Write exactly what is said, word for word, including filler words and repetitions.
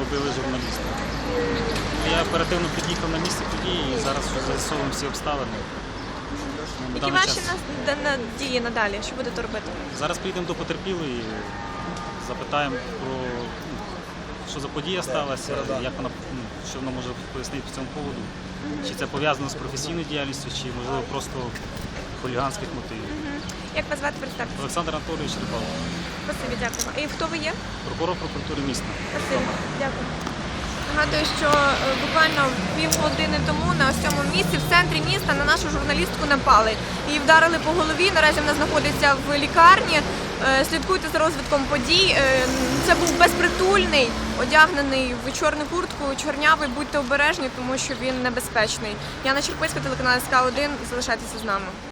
вбили журналіста. Я оперативно під'їхав на місце події і зараз з'ясовуємо всі обставини. Які ваші дії надалі? Що будете робити? Зараз підемо до потерпілої, запитаємо про що за подія сталася, як вона, що вона може пояснити по цьому поводу. Чи це пов'язано з професійною діяльністю, чи можливо просто хуліганських мотивів. Як вас звати, представтеся? Олександр Анатолійович Рибалко. Спасибі, дякую. І хто ви є? Прокурор прокуратури міста. Спасибі, дякую. Нагадую, що буквально півгодини тому на ось цьому місці, в центрі міста, на нашу журналістку напали. Її вдарили по голові, наразі вона знаходиться в лікарні. Слідкуйте за розвитком подій. Це був безпритульний, одягнений в чорну куртку, чорнявий, будьте обережні, тому що він небезпечний. Яна Черпицька, телеканал ес ка один, залишайтеся з нами.